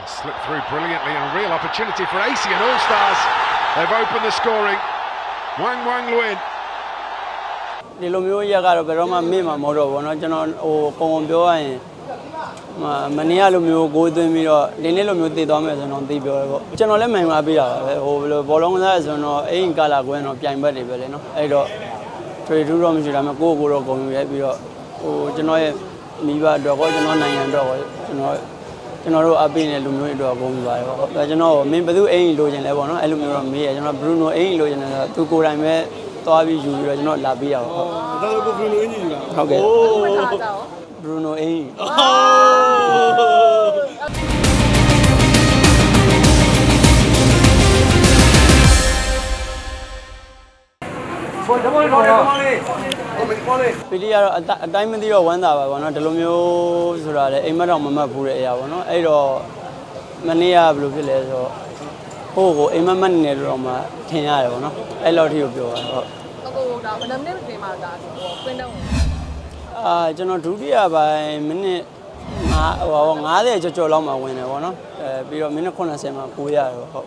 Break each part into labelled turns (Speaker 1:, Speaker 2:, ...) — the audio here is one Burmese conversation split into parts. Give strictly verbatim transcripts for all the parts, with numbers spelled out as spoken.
Speaker 1: Slipped through brilliantly and a real opportunity for A C and All Stars. They've opened the scoring. Wang Wang Luin.
Speaker 2: ဒီလိုမျိုးရက်ကတော့ဘယ်တော့မှမေ့မှာမဟုတ်တော့ဘူးเนาะကျွန်တော်ဟိုပုံပုံပြောရရင်မနေ့ကလိုမျိုးကိုယ်သွင်းပြီးတော့ဒီနေ့လိုမျိုးတည်သွားမယ်ဆိုတော့သိပြောရပေါ့ကျွန်တော်လည်းမှန်ပါပေးတာပါပဲဟိုဘယ်လိုဘောလုံးကစားဆိုတော့အိမ်ကာလာကွင်းတော့ပြိုင်ဘက်တွေပဲလေเนาะအဲ့တော့ trade တော့မရှိတာမှကိုယ့်ကိုယ်တော့ဂုဏ်ယူရဲပြီးတော့ဟိုကျွန်တော်ရဲ့မိဘအတွက်ကောကျွန်တော်နိုင်ငံအတွက်ကောကျွန်တော်ကျွန်တော်တို့အပိနဲ့လူမျိုးတွေအတွက်ဂုဏ်ယူပါတယ်ပေါ့ဒါကျွန်တော်မင်းဘယ်သူအိမ်လိုချင်လဲပေါ့เนาะအဲ့လိုမျိုးတော့မေးရကျွန်တော် Bruno အိမ်လိုချင်တယ်ဆိုတော့သူကိုယ်တိုင်ပဲသွားပြီးယူပြီးတော့ကျွန်တော်လာပေးရပါဟုတ်
Speaker 3: ဒါဆိုကို Bruno အင်ကြီးယူတာ
Speaker 2: ဟုတ်ကဲ့ Bruno အိမ်
Speaker 3: ဘောဓမောလေးဘောလေးဘောလေး
Speaker 2: ပီလီကတော့အတိုင်းမသိတော့ဝမ်းသာပါဘောနော်ဒီလိုမျိုးဆိုတာလေအိမ်မက်တော့မမတ်ဘူးတဲ့အရာပေါ့နော်အဲ့တော့မနေ့ကဘယ်လိုဖြစ်လဲဆိုတော့ဟိုကိုအိမ်မက်မက်နေတယ်တော့မှထင်ရတယ်ပေါ့နော်အဲ့လောက်ထိကိုပြောတာဟုတ်
Speaker 4: အခုဒါဘယ်နှစ်မိနစ်ပြင်မှာဒါဟိုကွင်းတုံး
Speaker 2: အာကျွန်တော်ဒုတိယပိုင်းမိနစ်ငါဟိုငါးဆယ်ကျော်ကျော်လောက်မှဝင်တယ်ပေါ့နော်အဲပြီးတော့မိနစ်ခုနှစ်ဆယ်မှာကိုရတယ်ဟုတ်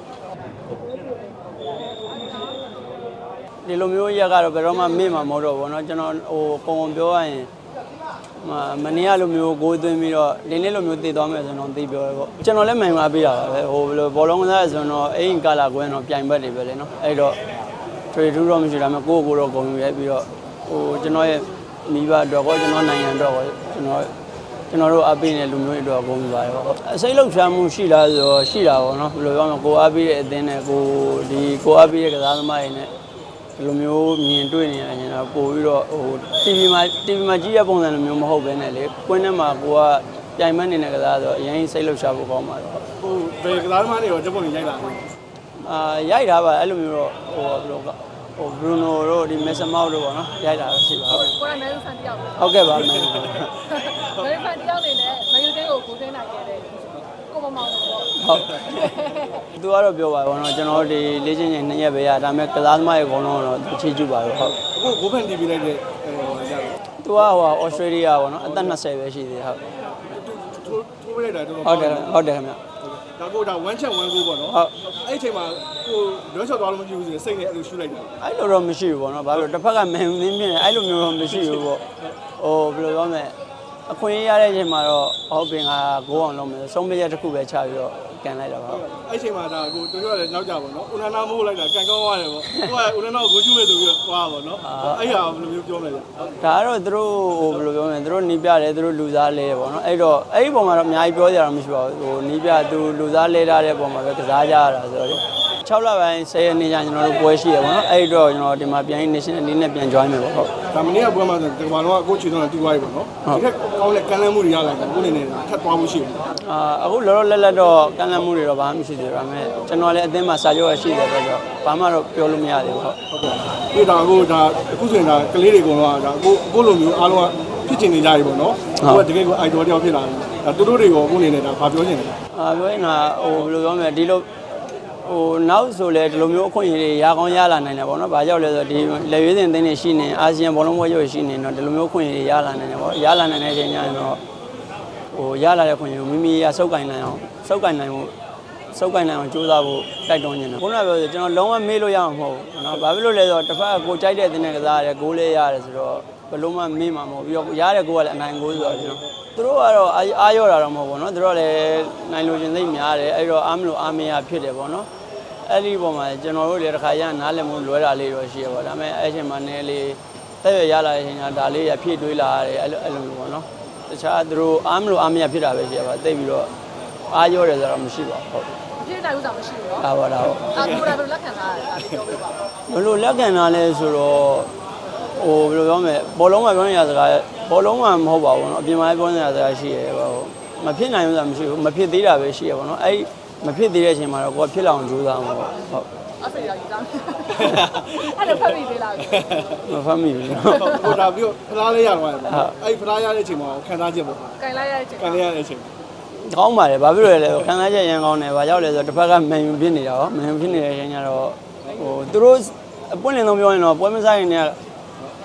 Speaker 2: ဒီလိုမျိုးရက်ကတော့ဘယ်တော့မှမေ့မှာမဟုတ်တော့ဘူးเนาะကျွန်တော်ဟိုပုံပုံပြောရရင်မနေ့ကလိုမျိုးကိုယ်သွင်းပြီးတော့ဒီနေ့လိုမျိုးတည်သွားမယ်ဆိုတော့သိပြောရပေါ့ကျွန်တော်လည်းမှန်ပါပေးတာပါပဲဟိုဘယ်လိုဘောလုံးကစားဆိုတော့အိမ်ကာလာကွင်းတော့ပြိုင်ဘက်တွေပဲလေเนาะအဲ့တော့ trade တော့မရှိတာမှကိုယ့်ကိုယ်တော့ဂုဏ်ယူရဲပြီးတော့ဟိုကျွန်တော်ရဲ့မိဘအတွက်ကောကျွန်တော်နိုင်ငံအတွက်ကောကျွန်တော်ကျွန်တော်တို့အပိနဲ့လူမျိုးတွေအတွက်ဂုဏ်ယူပါတယ်ပေါ့အစိတ်လောက်ချမ်းမှုရှိလားဆိုတော့ရှိတာပေါ့เนาะဘယ်လိုပြောမလဲကိုအပိရဲ့အသင်းနဲ့ကိုဒီကိုအပိရဲ့ကစားသမားတွေနဲ့ဒီလိုမျိုးမြင်တွေ့နေရတယ်ကျွန်တော်ပို့ပြီးတော့ဟို TV မှာ TV မှာကြည့်ရပုံစံလိုမျိုးမဟုတ်ဘဲနဲ့လေကွင်းထဲမှာကိုကပြိုင်မက်နေတဲ့ကစားဆိုတော့အရင်စိတ်လှုပ်ရှားဖို့ကောင်းပါတော့
Speaker 3: ဟိုဘယ်ကစားသမားတွေရောဓပုံကြီးရိုက်လာတယ်
Speaker 2: အာရိုက်တာပါအဲ့လိုမျိုးတော့ဟိုဘယ်လိုကဟို Bruno တို့ဒီ Mason Mount တို့ပေါ့နော်ရိုက်တာတော့ရှိပါဟုတ်
Speaker 4: ကိုယ်ကမဲဆန်တယောက်
Speaker 2: ဟုတ်ကဲ့ပါမယ်မဲဆန်တ
Speaker 4: ယောက်နေနဲ့မယူတင်းကိုကိုသိမ်းနိုင်ခဲ့တဲ့ကိုမမောင်ပေါ့
Speaker 2: ဟုတ်သူကတော့ပြောပါဘောနော်ကျွန်တော်ဒီလေ့ကျင့်ချိန်နှစ်ရက်ပဲရဒါပေမဲ့ကစားသမားရဲ့အကုန်လုံးတော့ချီးကျူးပါတော့ဟုတ်
Speaker 3: အခုဂိုးဖန်တီးပြလိုက်တဲ့ဟိုရတော့
Speaker 2: သူကဟိုဩစတြေးလျပေါ့နော်အသက်နှစ်ဆယ်ပဲရှိသေးတယ်ဟုတ်
Speaker 3: ထိုးထိုးပြလိုက်တာတော်တော်
Speaker 2: ဟုတ်တယ်ဟုတ်တယ်ခင်ဗျ
Speaker 3: ဒါကိုဒါ one chat one goal ပေါ့နော်
Speaker 2: ဟုတ်
Speaker 3: အဲ့အချိန်မှာကိုလွှဲချော်သွားလို့မကြည့်ဘူးဆိုရင်စိတ်နဲ့အဲ့လိုရှူလိုက်တာ
Speaker 2: အဲ့လိုတော့မရှိဘူးပေါ့နော်ဘာလို့တစ်ဖက်ကမန်ယူသင်းပြင်းအဲ့လိုမျိုးတော့မရှိဘူးပေါ့ဟိုဘယ်လိုပြောမလဲအခွင့်အရေးရတဲ့အချိန်မှာတော့ဟုတ်ပင်ကဂိုးအောင်လုပ်မယ်ဆုံးဖြတ်ချက်တစ်ခုပဲချပြီးတော့ကန်လိုက်တာပါ
Speaker 3: အဲ့ချိန်မှာဒါကိုတို့ပြောရတယ်နောက်ကြပါတော့ဦးနာနာမိုးလိုက်တာကန်ကောင်းသွားတယ်ပေါ့ကိုကဦးနာနာကိုဂိုးကျူးမယ်ဆိုပြီးတော့သွားပါတော့အဲ့ဟာဘယ်လိုမျိုးပြောမလဲဗျ
Speaker 2: ဒါကတော့သူတို့ဟိုဘယ်လိုပြောမလဲသူတို့နီးပြတယ်သူတို့လူစားလဲပေါ့နော်အဲ့တော့အဲ့ဒီပုံမှာတော့အများကြီးပြောကြတာမရှိပါဘူးဟိုနီးပြသူလူစားလဲထားတဲ့ပုံမှာပဲကစားကြရတာဆိုတော့၆လပိုင်း၁၀ရက်နေ့ကျကျွန်တော်တို့ပွဲရှိရပေါ့နော်အဲ့တော့ကျွန်တော်ဒီမှာပြန် national အနေနဲ့ပြန် join မယ်ပေါ့ဟုတ်
Speaker 3: ဒါမနေ့ကပွဲမှာဆိုဒီမှာတော့ကိုချီတော့တီးသွားပြီပေါ့နော်ဒီထက်ကောင်းတဲ့ကမ်းလှမ်းမှုတွေရလာတယ်ကိုနေနေထပ်သွားမှုရှိတယ်
Speaker 2: အာအခုလောလောလတ်လတ်တော့ကမ်းလှမ်းမှုတွေတော့ဘာမှမရှိသေးဘူးဒါပေမဲ့ကျွန်တော်လည်းအသင်းမှာစာချုပ်ရရှိတယ်ဆိုတော့ဘာမှတော့ပြောလို့မရသေးဘူးဟုတ်
Speaker 3: ဟုတ်ကဲ့ဒီဒါကိုဒါအခုဆိုရင်ဒါကလေးတွေကတော့ဒါကိုကိုလိုမျိုးအားလုံးကဖြစ်ချင်နေကြပြီပေါ့နော်ကိုကတကယ်ကို idol တယောက်ဖြစ်လာတယ်ဒါတူတူတွေကိုကိုနေနေတာဘာပြောချင်လဲ
Speaker 2: အာပြောရင်တော့ဟိုဘယ်လိုပြောမလဲဒီလိုဟိုနောက်ဆိုလဲဒီလိုမျိုးအခွင့်အရေးတွေရကောင်းရလာနိုင်တယ်ပေါ့နော်။ဘာကြောင့်လဲဆိုတော့ဒီလက်ရွေးစင်အသင်းတွေရှိနေအာဆီယံဘောလုံးပွဲရုပ်ရှိနေတော့ဒီလိုမျိုးအခွင့်အရေးတွေရလာနိုင်တယ်ပေါ့။ရလာနိုင်တဲ့အချိန်ကျရင်တော့ဟိုရလာတဲ့ခွင့်အရေးကိုမိမိရစုပ်ကင်နိုင်အောင်စုပ်ကင်နိုင်ဖို့စုပ်ကင်နိုင်အောင်ကြိုးစားဖို့တိုက်တွန်းနေတယ်။ခုနကပြောဆိုကျွန်တော်လုံးဝမေ့လို့ရမှာမဟုတ်ဘူးနော်။ဘာဖြစ်လို့လဲဆိုတော့တစ်ဖက်ကကိုကြိုက်တဲ့အသင်းနဲ့ကစားရတယ်ဂိုးလေးရတယ်ဆိုတော့ဘယ်လုံးမှမေ့မှာမဟုတ်ပြီးတော့ရတဲ့ဂိုးကလည်းအနိုင်ဂိုးဆိုတော့ကျွန်တော်သူတို့ကတော့အားရော့တာတော့မဟုတ်ဘူးနော်။သူတို့လည်းနိုင်လို့ရှင်သိများတယ်အဲ့တော့အားမလို့အားမရဖြစ်တယ်ပေါ့နော်။အဲ့ဒီပုံမှာကျွန်တော်တို့လည်းတစ်ခါရနားလည်မှုလွဲတာလေးတော့ရှိရပါဒါပေမဲ့အဲ့ချိန်မှာနည်းလေးတက်ရရလာတဲ့အချိန်ကဒါလေးရဖြည့်တွေးလာရတယ်အဲ့လိုအဲ့လိုမျိုးပေါ့နော်တခြားသူတို့အားမလို့အားမရဖြစ်တာပဲရှိရပါတိတ်ပြီးတော့အားရောတယ်ဆိုတော့မရှိပါဘူးဟုတ်
Speaker 4: ဖြည့်တိုင်းဥစ္စာမရှိဘူးနော်
Speaker 2: ဒါပါဒါဟုတ်
Speaker 4: အခုဒါဘယ်လိုလက်ခံလာလဲဒါလေးပြောပြပါ
Speaker 2: ဘယ်လိုလက်ခံလာလဲဆိုတော့ဟိုဘယ်လိုပြောမလဲဘောလုံးမှာပြောနေရစကားဘောလုံးမှာမဟုတ်ပါဘူးနော်အပြင်မှာပြောနေရစကားရှိရဲဟိုမဖြစ်နိုင်ဘူးဆိုတာမရှိဘူးမဖြစ်သေးတာပဲရှိရပါတော့အဲ့မဖြစ်သေးတဲ့အချိန်မှာတော့ကိုကဖြစ်လာအောင်ကြိုးစားမှာပေါ့ဟုတ်
Speaker 4: အဲ့ဒါကြီးသားအဲ့ဒါဖတ်မိသေးလား
Speaker 2: မဖတ်မိဘူး
Speaker 3: ဟိုဒါပြီးတော့ဖလားလေးရတော့တယ်ပေါ့အဲ့ဖလားရတဲ့အချိန်မှာခံစားချက်ပေါ့
Speaker 4: ကင်လိုက်ရတဲ့အချိန်
Speaker 3: ကင်လိုက်ရတဲ့အချိန်
Speaker 2: ကောင်းပါတယ်ဘာဖြစ်လို့လဲခံစားချက်ရန်ကောင်းတယ်ဘာကြောင့်လဲဆိုတော့တစ်ဖက်ကမန်ယူဖြစ်နေတာရောမန်ယူဖြစ်နေတဲ့အချိန်ကျတော့ဟိုသူတို့အပွင့်လင်းဆုံးပြောရင်တော့ပွဲမဆိုင်ရင်လည်း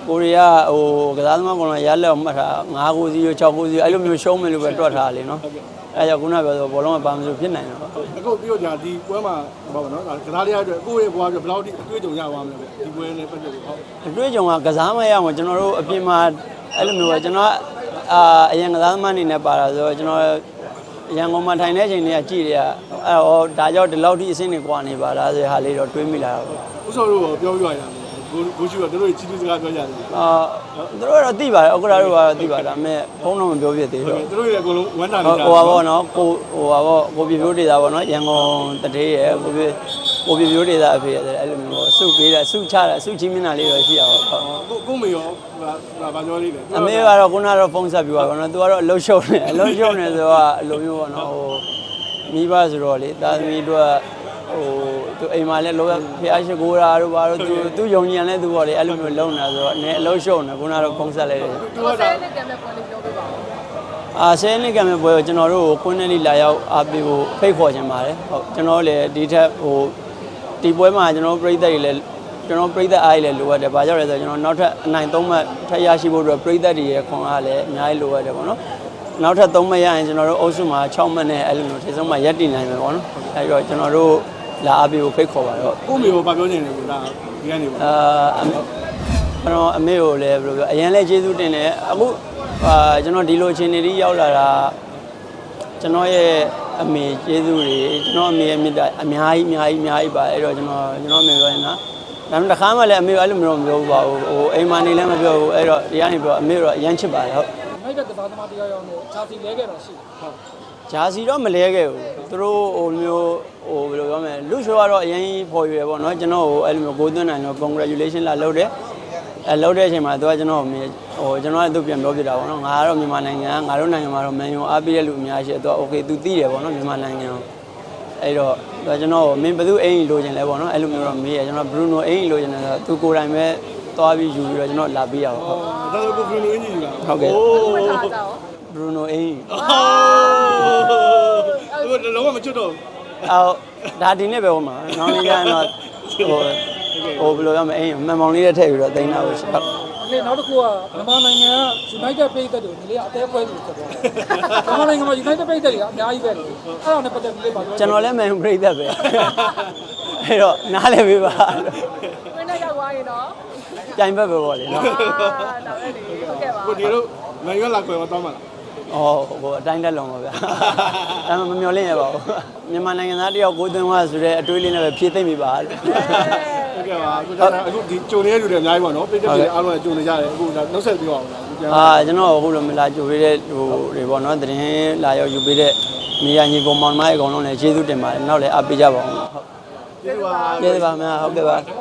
Speaker 2: ကိုရီးယားဟိုကစားသမားကောင်ကရလက်မှတ်ထား၅ကိုစီ၆ကိုစီအဲ့လိုမျိုးရှုံးမယ်လို့ပဲတွက်ထားလေနော်အဲ့ကြောင့်ခုနကပြောဆိုဘောလုံးကပါမလို့ဖြစ်နိုင်တယ်ပေါ့
Speaker 3: အခုပြီးတော့ဒီပွဲမှာဘာပါနော်ကစားလေးရအတွက်ကိုယ့်ရဲ့ဘွားအတွက်ဘယ်လောက်ထိအတွေ့အကြုံရသွားမလဲဒီပွဲနဲ့ပတ်သက်လို့ဟုတ်
Speaker 2: အတွေ့အကြုံကကစားမရအောင်ကျွန်တော်တို့အပြင်မှာအဲ့လိုမျိုးပဲကျွန်တော်အာအရင်ကစားသမားအနေနဲ့ပါတာဆိုတော့ကျွန်တော်ရန်ကုန်မှာထိုင်နေချိန်တွေကကြည့်ရအဲ့တော့ဒါကြောင့်ဒီလောက်ထိအဆင့်တွေကွာနေပါလားဆိုတဲ့ဟာလေးတော့တွေးမိလာတာပေါ့
Speaker 3: ဦးစောတို့ပြောပြရတာကိုကိုရှိကတို့ချီးကျူးစကားပြောကြတယ်
Speaker 2: အာသူတို့ကတော့သိပါတယ်ဥက္ကရာတို့ကတော့သိပါတယ်ဒါပေမဲ့ဖုန်းတော့မပြောပြသေးဘူး
Speaker 3: တို့ရဲ့အကုန်လုံးဝမ်းတာ
Speaker 2: ဟို
Speaker 3: နေတာ
Speaker 2: ဟိုပါဘောနော်ကိုဟိုပါဘောကိုပြပြိုးဒေတာပေါ့နော်ရန်ကုန်တထေးရယ်ကိုပြကိုပြပြိုးဒေတာအဖေရတယ်အဲ့လိုမျိုးပေါ့စုပေးတာစုချတာစုချင်းမျက်နှာလေးတော့ရှိရပါဘူး
Speaker 3: ကိုကိုမေရောဟာဘာပြောလေးလဲ
Speaker 2: အမေကတော့ခုနကတော့ဖုန်းဆက်ပြီးပါပေါ့နော်သူကတော့အလုံးရှုံနေအလုံးရှုံနေဆိုတော့အလိုမျိုးပေါ့နော်ဟိုမိဘဆိုတော့လေတာသမီတို့ဟိုသူအိမ်မှာလည်းလောဖျားရှိခိုးတာတို့ဘာတို့သူသူယုံကြည်တယ်သူပေါ့လေအဲ့လိုမျိုးလုံနေတာဆိုတော့အနေအလုံးရှုံနေခုနကတော့ဖုန်းဆက်လိုက်တယ်
Speaker 3: သူ
Speaker 4: ကို
Speaker 3: က
Speaker 4: ဆဲ
Speaker 3: ဒါ
Speaker 4: နဲ့ကံမဲ့ပေါ်လေးပြောပြပါဦး
Speaker 2: အာဆယ်နှစ်ကံမဲ့ပွဲကိုကျွန်တော်တို့ကိုကွန်းနယ်လီလာရောက်အားပေးဖို့ဖိတ်ခေါ်ခြင်းပါတယ်ဟုတ်ကျွန်တော်လည်းဒီထက်ဟိုဒီပွဲမှာကျွန်တော်ပြည်သက်တွေလည်းကျွန်တော်ပြည်သက်အားကြီးလည်းလိုအပ်တယ်ဘာကြောင့်လဲဆိုတော့ကျွန်တော်နောက်ထပ်အနိုင်သုံးမှတ်ထပ်ရရှိဖို့အတွက်ပြည်သက်တွေရဲ့ခွန်အားလည်းအများကြီးလိုအပ်တယ်ပေါ့နော်နောက်ထပ်သုံးမှတ်ရရင်ကျွန်တော်တို့အုပ်စုမှာ၆မှတ်နဲ့အဲ့လိုမျိုးထိဆုံးမှရက်တည်နိုင်မယ်ပေါ့နော်အဲ့တော့ကျွန်တော်တို့လာအားပေးဖို့ဖိတ်ခေါ်ပါတော့
Speaker 3: ကိုမေရောဘာပြောနေလဲကိုဒါဒီကနေပါ
Speaker 2: အာကျွန်တော်အမေကိုလည်းဘယ်လိုပြောအရင်လဲကျေးဇူးတင်တယ်အခုအာကျွန်တော်ဒီလိုအခြေအနေကြီးရောက်လာတာကျွန်တော်ရဲ့အမေကျေးဇူးတွေကျွန်တော်အမေရဲ့မြတ်တာအများကြီးအများကြီးအများကြီးပါအဲ့တော့ကျွန်တော်ကျွန်တော်အမေပြောရင်နော်ဒါမှမဟုတ်တစ်ခါမှလည်းအမေအဲ့လိုမျိုးမပြောဘူးပါဘူးဟိုအိမ်မနေလည်းမပြောဘူးအဲ့တော့ဒီကနေပြောအမေတော့အရန်ချစ်ပါတယ်ဟုတ်
Speaker 5: မိုက်ကကစားသမားတရားရောက်နေချာစီလဲခဲ့တော့ရှိတယ်ဟုတ်
Speaker 2: ဂျာစီတော့မလဲခဲ့ဘူးသူတို့ဟိုမျိုးဟိုဘယ်လိုပြောမလဲလူရှိုးကတော့အရင်ပေါ်ရွယ်ပေါ့နော်ကျွန်တော်ဟိုအဲ့လိုမျိုးကိုသွင်းနိုင်တော့ congratulation လာလုပ်တယ်အဲလုပ်တဲ့အချိန်မှာသူကကျွန်တော်ဟိုကျွန်တော်လည်းသူပြန်ပြောပြတာပေါ့နော်ငါကတော့မြန်မာနိုင်ငံငါတို့နိုင်ငံမှာတော့မန်ယူအားပေးတဲ့လူအများကြီးရှိတယ်သူက okay သူသိတယ်ပေါ့နော်မြန်မာနိုင်ငံကိုအဲ့တော့သူကကျွန်တော်မင်းဘယ်သူအိမ်လိုချင်လဲပေါ့နော်အဲ့လိုမျိုးတော့မေးရကျွန်တော် Bruno အိမ်လိုချင်တယ်ဆိုတော့သူကိုယ်တိုင်ပဲသွားပြီးယူပြီးတော့ကျွန်တော်လာပေးရပါဟုတ်
Speaker 3: ဒါဆိုကိုဘရူနိုအင်ဂျီက
Speaker 2: ဟုတ်ကဲ့
Speaker 4: ဝတ်ထားကြအောင်
Speaker 2: Bruno အိမ်
Speaker 3: ဟိုလုံးဝမချွတ်တော့
Speaker 2: အော်ဒါဒီနေ့ပဲဟိုမှာနောက်နေ့ကျရင်တော့ဟိုဟိုဘယ်လိုရမလဲအိမ်မှန်မောင်လေးနဲ့ထည့်ပြီးတော့တင်တာလို့ရှိဟုတ်
Speaker 5: လေနောက်တစ်ခုကမြန်မာနိုင်ငံက United ပြည်သက်တွေဒီလေးအသေးဖွဲသူဖြစ်သွားတယ်မြန်မာနိုင်ငံမှာ United ပြည်သက်တွေကအများကြီးပဲလေအဲ့ဒါနဲ့ပတ်သက်ပြီးလေးပါပြော
Speaker 2: ကျွန်တော်လည်းမန်ပရိသတ်ပဲအဲ့တော့နားလည်းပေးပါ
Speaker 4: ဝင်းနဲ့ရောက်သွားရင်တော့
Speaker 2: ကြိုင်ဘက်ပဲပေါ့လေနော်
Speaker 4: အာဒါပဲလေဟုတ်ကဲ့ပါ
Speaker 3: ကိုဒီလိုမန်ရွက်လာကွယ်မတော့မှာလား
Speaker 2: အော်ဟိုအတိုင်းတက်လုံးပါဗျာဒါမှမမျော်လင့်ရပါဘူးမြန်မာနိုင်ငံသားတယောက်ကိုသွင်းသွားဆိုတဲ့အတွေးလေးနဲ့ပဲဖြည့်သိမ့်မိပါလို့
Speaker 3: ဟုတ်ကဲ့ပါအခုဒါအခုဒီကြုံနေတဲ့လူတွေအများကြီးပါနော်ပြည်သက်တွေအားလုံးကြုံနေကြတယ်အခုဒါနှုတ်ဆက်ပြောအောင်လားပြန်
Speaker 2: အာကျွန်တော်အခုလိုမလာကြိုပေးတဲ့ဟိုတွေပေါ့နော်သတင်းလာရောက်ယူပေးတဲ့မိယာညီကောင်မောင်မိုင်းအကောင်လုံးလည်းကျေးဇူးတင်ပါတယ်နောက်လည်းအားပေးကြပါအောင်ဟုတ်
Speaker 3: ကျေးဇူးပါ
Speaker 2: ကျေးဇူးပါခင်ဗျာဟုတ်ကဲ့ပါ